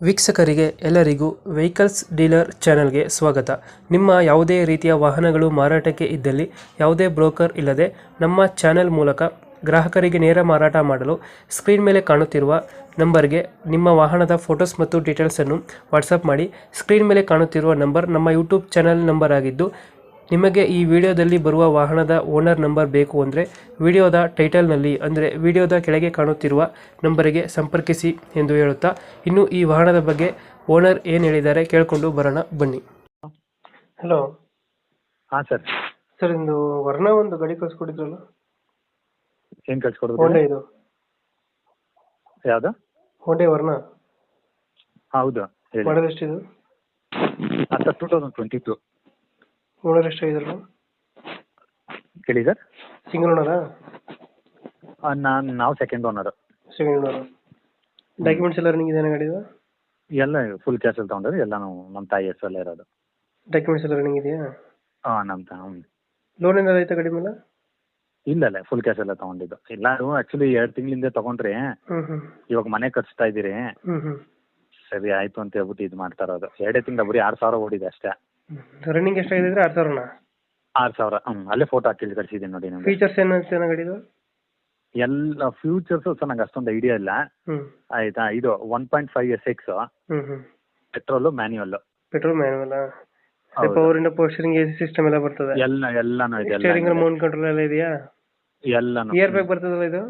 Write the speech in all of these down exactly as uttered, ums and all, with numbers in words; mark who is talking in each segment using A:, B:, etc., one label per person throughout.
A: ವೀಕ್ಷಕರಿಗೆ ಎಲ್ಲರಿಗೂ vehicles dealer ಚಾನೆಲ್ಗೆ ಸ್ವಾಗತ. ನಿಮ್ಮ ಯಾವುದೇ ರೀತಿಯ ವಾಹನಗಳು ಮಾರಾಟಕ್ಕೆ ಇದ್ದಲ್ಲಿ ಯಾವುದೇ ಬ್ರೋಕರ್ ಇಲ್ಲದೆ ನಮ್ಮ ಚಾನೆಲ್ ಮೂಲಕ ಗ್ರಾಹಕರಿಗೆ ನೇರ ಮಾರಾಟ ಮಾಡಲು ಸ್ಕ್ರೀನ್ ಮೇಲೆ ಕಾಣುತ್ತಿರುವ ನಂಬರ್ಗೆ ನಿಮ್ಮ ವಾಹನದ ಫೋಟೋಸ್ ಮತ್ತು ಡೀಟೇಲ್ಸನ್ನು ವಾಟ್ಸಪ್ ಮಾಡಿ. ಸ್ಕ್ರೀನ್ ಮೇಲೆ ಕಾಣುತ್ತಿರುವ ನಂಬರ್ ನಮ್ಮ ಯೂಟ್ಯೂಬ್ ಚಾನೆಲ್ ನಂಬರ್ ಆಗಿದ್ದು, ನಿಮಗೆ ಈ ವಿಡಿಯೋದಲ್ಲಿ ಬರುವ ವಾಹನದ ಓನರ್ ನಂಬರ್ ಬೇಕು ಅಂದರೆ ವಿಡಿಯೋದ ಟೈಟಲ್ನಲ್ಲಿ ಅಂದರೆ ವಿಡಿಯೋದ ಕೆಳಗೆ ಕಾಣುತ್ತಿರುವ ನಂಬರಿಗೆ ಸಂಪರ್ಕಿಸಿ ಎಂದು ಹೇಳುತ್ತಾ, ಇನ್ನು ಈ ವಾಹನದ ಬಗ್ಗೆ ಓನರ್ ಏನು ಹೇಳಿದ್ದಾರೆ ಕೇಳಿಕೊಂಡು ಬರೋಣ ಬನ್ನಿ. ಹಲೋ.
B: ಹಾಂ ಸರ್.
A: ಸರ್ ಇಂದು ವರ್ಣ ಒಂದು ಗಾಡಿ ಕಳಿಸ್ಕೊಟ್ಟಿದ್ರಲ್ಲ,
B: ಏನು ಕಳ್ಸಿಕೊಡೋದು?
A: ಹೋಂಡಾ ಇದು
B: ಯಾವುದು?
A: ಹೋಂಡಾ ವರ್ಣ.
B: ಹೌದು ಹೇಳಿ.
A: ಮಾಡಲ್ ಎಷ್ಟಿದು?
B: ಹಾಂ sir, two thousand twenty two.
A: Owner ಎಷ್ಟಾಗಿದ್ರಲ್ಲ?
B: ಹೇಳಿ ಸರ್.
A: ಸಿಂಗಲ್ ಓನರಾ?
B: ನಾನು ನಾವು second owner.
A: Second owner. Documents ಎಲ್ಲ ರನ್ನಿಂಗ್ ಇದೆ ಗಾಡಿದು?
B: ಎಲ್ಲ ಫುಲ್ ಕ್ಯಾಶಲ್ಲಿ ತೊಗೊಂಡ್ರೆ ಎಲ್ಲನೂ ನಮ್ಮ ತಾಯಿ ಹೆಸರಲ್ಲೇ ಇರೋದು.
A: ಡಾಕ್ಯುಮೆಂಟ್ಸ್ ಎಲ್ಲ ರನ್ನಿಂಗ್ ಇದೆಯಾ?
B: ಹಾಂ ನಮ್ಮ ತಾ
A: ಲೋನ್ ಏನಾದ್ರು ಆಯ್ತಾ ಗಾಡಿ ಮೇಲೆ?
B: ಇಲ್ಲ ಇಲ್ಲ, ಫುಲ್ ಕ್ಯಾಶಲ್ಲೇ ತೊಗೊಂಡಿದ್ದು. ಎಲ್ಲರೂ ಆ್ಯಕ್ಚುಲಿ ಎರಡು ತಿಂಗಳಿಂದ ತೊಗೊಂಡ್ರಿ,
A: ಹ್ಞೂ ಹ್ಞೂ
B: ಇವಾಗ ಮನೆ ಕಟ್ಸ್ತಾ ಇದ್ದೀರಿ,
A: ಹ್ಞೂ ಹ್ಞೂ
B: ಸರಿ ಆಯಿತು ಅಂತ ಹೇಳ್ಬಿಟ್ಟು ಇದು ಮಾಡ್ತಾ ಇರೋದು. ಎರಡೇ ತಿಂಗಳ ಬರೀ ಆರು ಸಾವಿರ ಓಡಿದೆ ಅಷ್ಟೇ.
A: ರನ್ನಿಂಗ್ ಎಷ್ಟಾಗಿದೆ? ಆರು ಸಾವಿರನಾ?
B: ಆರು ಸಾವಿರ. ಹ್ಞೂ, ಅಲ್ಲೇ ಫೋಟೋ ಹಾಕಿ ಕಳಿಸಿದ್ದೀನಿ ನೋಡಿ ನಿಮಗೆ.
A: ಫೀಚರ್ಸ್ ಏನು ಚೆನ್ನಾಗಿ ಗಾಡಿದು?
B: ಎಲ್ಲ ಫ್ಯೂಚರ್ಸು ಸರ್ ನಂಗೆ ಅಷ್ಟೊಂದು ಐಡಿಯಾ ಇಲ್ಲ.
A: ಹ್ಞೂ
B: ಆಯಿತಾ. ಇದು one point five S X,
A: ಹ್ಞೂ ಹ್ಞೂ
B: ಪೆಟ್ರೋಲು, ಮ್ಯಾನ್ಯುವಲ್ಲು.
A: Petrol manual.
B: ಹೌದು.
A: ಪವರ್ ಇಂಡ ಪೋಸ್ಟರಿಂಗ್, ಎ ಸಿ ಸಿಸ್ಟಮ್ ಎಲ್ಲ ಬರ್ತದೆ?
B: ಎಲ್ಲ ಎಲ್ಲನೂ ಇದೆ.
A: ಸ್ಟೇರಿಂಗ್
B: ಎಲ್ಲ
A: ಮೌಂಟ್ ಕಂಟ್ರೋಲ್ ಎಲ್ಲ ಇದೆಯಾ?
B: ಎಲ್ಲನೂ.
A: ಇಯರ್ ಬ್ಯಾಗ್ ಬರ್ತದಲ್ಲ ಇದು?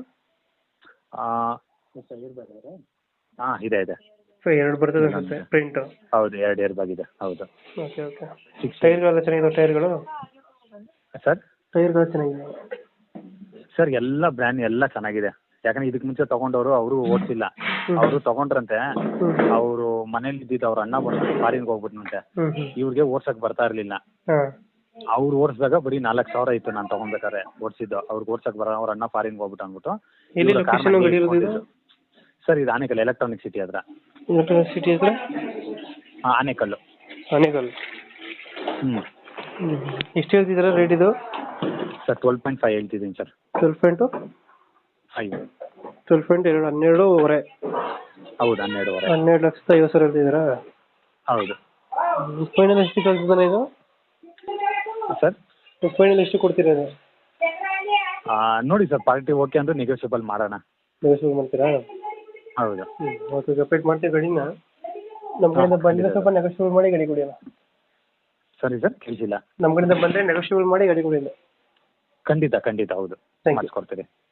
B: ಹಾಂ ಇದೆ ಇದೆ.
A: ಸೊ ಎರಡು ಬರ್ತದೆ ಅನ್ಸುತ್ತೆ ಪ್ರಿಂಟ್.
B: ಹೌದು, ಎರಡು ಇಯರ್ ಬ್ಯಾಗ್ ಇದೆ. ಹೌದು.
A: Okay okay. ಟೈರ್ಗಳೆಲ್ಲ ಚೆನ್ನಾಗಿದೆ? ಟೈರ್ಗಳು
B: ಸರ್
A: ಟೈರ್ಗಳು ಚೆನ್ನಾಗಿದೆ
B: ಸರ್ ಎಲ್ಲ ಬ್ರ್ಯಾಂಡ್ ಎಲ್ಲ ಚೆನ್ನಾಗಿದೆ. ಯಾಕಂದ್ರೆ ಇದಕ್ಕೆ ಮುಂಚೆ ತಗೊಂಡವರು ಅವರು ಓಡಿಸಿಲ್ಲ. ಅವರು ತಗೊಂಡ್ರಂತೆ, ಅವರು ಮನೇಲಿ ಇದ್ದಿದ್ದು ಅವ್ರ ಅಣ್ಣ ಬಂದು ಫಾರಿನ್ಗೆ ಹೋಗ್ಬಿಟ್ನಂತೆ.
A: ಹ್ಞೂ ಹ್ಞೂ
B: ಇವ್ರಿಗೆ ಓಡ್ಸಕ್ ಬರ್ತಾ ಇರಲಿಲ್ಲ.
A: ಹಾಂ.
B: ಅವ್ರು ಓಡಿಸಿದಾಗ ಬರೀ ನಾಲ್ಕು ಸಾವಿರ ಇತ್ತು ನಾನು ತಗೊಂಡ್ಬೇಕಾದ್ರೆ ಓಡಿಸಿದ್ದು. ಅವ್ರಿಗೆ ಓಡ್ಸಕ್ ಬರ ಅವ್ರ ಅಣ್ಣ ಫಾರಿನ್ಗೆ ಹೋಗ್ಬಿಟ್ಟು ಅಂದ್ಬಿಟ್ಟು.
A: ಎಲ್ಲಿ ಲೊಕೇಶನ್ ಗಾಡಿ ಇರೋದು ಇದು?
B: ಸರ್ ಇದು ಆನೇಕಲ್ ಎಲೆಕ್ಟ್ರಾನಿಕ್ ಸಿಟಿ ಹತ್ರ.
A: ಎಲೆಕ್ಟ್ರಾನಿಕ್ ಸಿಟಿ ಹತ್ರ?
B: ಹಾಂ, ಆನೇಕಲ್ಲು.
A: ಆನೇಕಲ್.
B: ಹ್ಞೂ.
A: ಎಷ್ಟು ಹೇಳ್ತಿದ್ದೀರಾ ರೇಟ್ ಇದು?
B: ಸರ್ ಟ್ವೆಲ್ ಪಾಯಿಂಟ್ ಫೈವ್ ಹೇಳ್ತಿದ್ದೀನಿ sir.
A: Twelve point
B: five.
A: Twelve point ಎರಡು ಹನ್ನೆರಡೂವರೆ.
B: ಹೌದು, ಹನ್ನೆರಡುವರೆ.
A: ಹನ್ನೆರಡು ಲಕ್ಷದ ಐವತ್ತು ಸಾವಿರ ಹೇಳ್ತಿದ್ದೀರಾ?
B: ಹೌದು.
A: ಫೈನಲ್ ಎಷ್ಟು ಕಳ್ಸಿದ್ದಾನೆ ಇದು
B: ಸರ್?
A: ಫೈನಲ್ ಎಷ್ಟು ಕೊಡ್ತೀರಾ ಇದು?
B: ನೋಡಿ ಸರ್, ಪಾರ್ಟಿ ಓಕೆ ಅಂದರೆ ನೆಗೋಷಿಯಬಲ್ ಮಾಡೋಣ.
A: ನೆಗೋಷಿಯಬಲ್ ಮಾಡ್ತೀರಾ?
B: ಹೌದು.
A: ಹ್ಞೂ ಓಕೆ, ಸಪ್ರೇಟ್ ಮಾಡ್ತೀವಿ ಗಾಡಿನ. ನಮ್ಮ ಕಡೆಯಿಂದ ಬಂದರೆ ಸ್ವಲ್ಪ ನೆಗೋಷಿಯಬಲ್ ಮಾಡಿ ಗಾಡಿ ಕೊಡಿ ಅಲ್ಲ.
B: ಸರಿ ಸರ್, ಕೇಳಿಸಿಲ್ಲ.
A: ನಮ್ಮ ಕಡೆಯಿಂದ ಬಂದರೆ ನೆಗೋಷಿಯಬಲ್ ಮಾಡಿ ಗಾಡಿ ಕೊಡಿ.
B: ಖಂಡಿತ ಖಂಡಿತ, ಹೌದು,
A: ಥ್ಯಾಂಕ್ ಯು.
B: ಮಾಡಿಸ್ಕೊಡ್ತೀರಿ.